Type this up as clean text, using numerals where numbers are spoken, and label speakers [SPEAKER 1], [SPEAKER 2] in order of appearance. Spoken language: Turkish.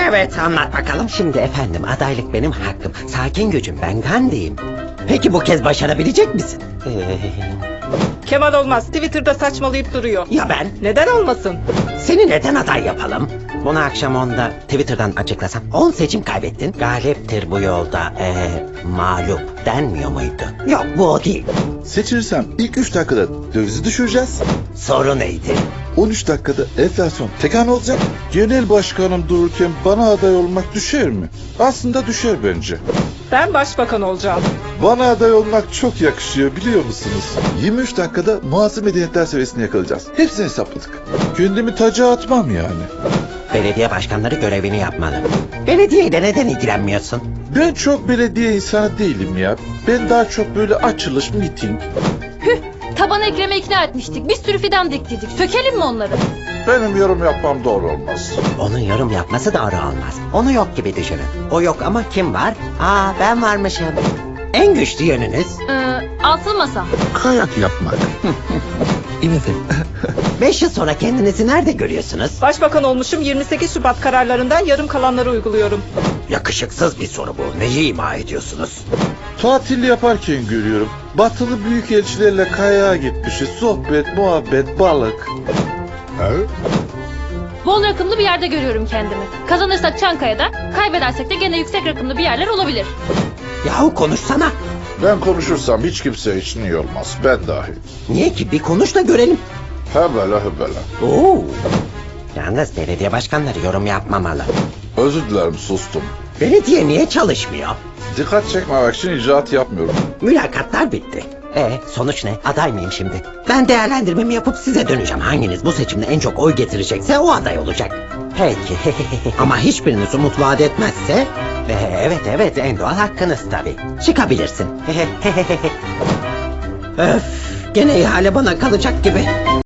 [SPEAKER 1] Evet, anlat bakalım. Şimdi efendim, adaylık benim hakkım. Sakin gücüm, ben Gandhi'yim. Peki bu kez başarabilecek misin?
[SPEAKER 2] Kemal olmaz. Twitter'da saçmalayıp duruyor.
[SPEAKER 1] Ya ben?
[SPEAKER 2] Neden olmasın?
[SPEAKER 1] Seni neden aday yapalım? Bunu akşam 10'da Twitter'dan açıklasam. 10 seçim kaybettin. Galiptir bu yolda mağlup denmiyor muydu? Yok, bu o değil.
[SPEAKER 3] Seçilirsem ilk 3 dakikada dövizi düşüreceğiz.
[SPEAKER 1] Soru neydi?
[SPEAKER 3] 13 dakikada enflasyon tek hane olacak. Genel başkanım dururken bana aday olmak düşer mi? Aslında düşer bence.
[SPEAKER 2] Ben başbakan olacağım.
[SPEAKER 3] Bana aday olmak çok yakışıyor biliyor musunuz? 23 dakikada muasır medeniyetler seviyesini yakalayacağız. Hepsini hesapladık. Kendimi taca atmam yani.
[SPEAKER 1] Belediye başkanları görevini yapmalı. Belediyeyle neden ilgilenmiyorsun?
[SPEAKER 3] Ben çok belediye insanı değilim ya. Ben daha çok böyle açılış, miting.
[SPEAKER 4] Taban Ekrem'e ikna etmiştik. Bir sürü fidan diktiydik. Sökelim mi onları?
[SPEAKER 3] Benim yorum yapmam doğru olmaz.
[SPEAKER 1] Onun yorum yapması doğru olmaz. Onu yok gibi düşünün. O yok ama kim var? Ben varmışım. En güçlü yönünüz?
[SPEAKER 4] Asıl masa.
[SPEAKER 3] Kayak yapmak.
[SPEAKER 1] 5 yıl sonra kendinizi nerede görüyorsunuz?
[SPEAKER 2] Başbakan olmuşum, 28 Şubat kararlarından yarım kalanları uyguluyorum.
[SPEAKER 1] Yakışıksız bir soru bu. Neyi ima ediyorsunuz?
[SPEAKER 3] Tatil yaparken görüyorum. Batılı büyükelçilerle kayağa gitmişiz. Sohbet, muhabbet, balık.
[SPEAKER 4] Bol rakımlı bir yerde görüyorum kendimi. Kazanırsak Çankaya'da, kaybedersek de gene yüksek rakımlı bir yerler olabilir.
[SPEAKER 1] Yahu konuşsana.
[SPEAKER 3] Ben konuşursam hiç kimse için iyi olmaz. Ben dahil.
[SPEAKER 1] Niye ki? Bir konuş da görelim.
[SPEAKER 3] Hebele hebele.
[SPEAKER 1] Oo. Yalnız belediye başkanları yorum yapmamalı.
[SPEAKER 3] Özür dilerim sustum.
[SPEAKER 1] Belediye niye çalışmıyor?
[SPEAKER 3] Dikkat çekmemek için icraat yapmıyorum.
[SPEAKER 1] Mülakatlar bitti. Sonuç ne? Aday mıyım şimdi? Ben değerlendirmemi yapıp size döneceğim. Hanginiz bu seçimde en çok oy getirecekse o aday olacak. Peki. Ama hiçbiriniz umut vaat etmezse... Evet, en doğal hakkınız tabii. Çıkabilirsin. Öf, gene ihale bana kalacak gibi.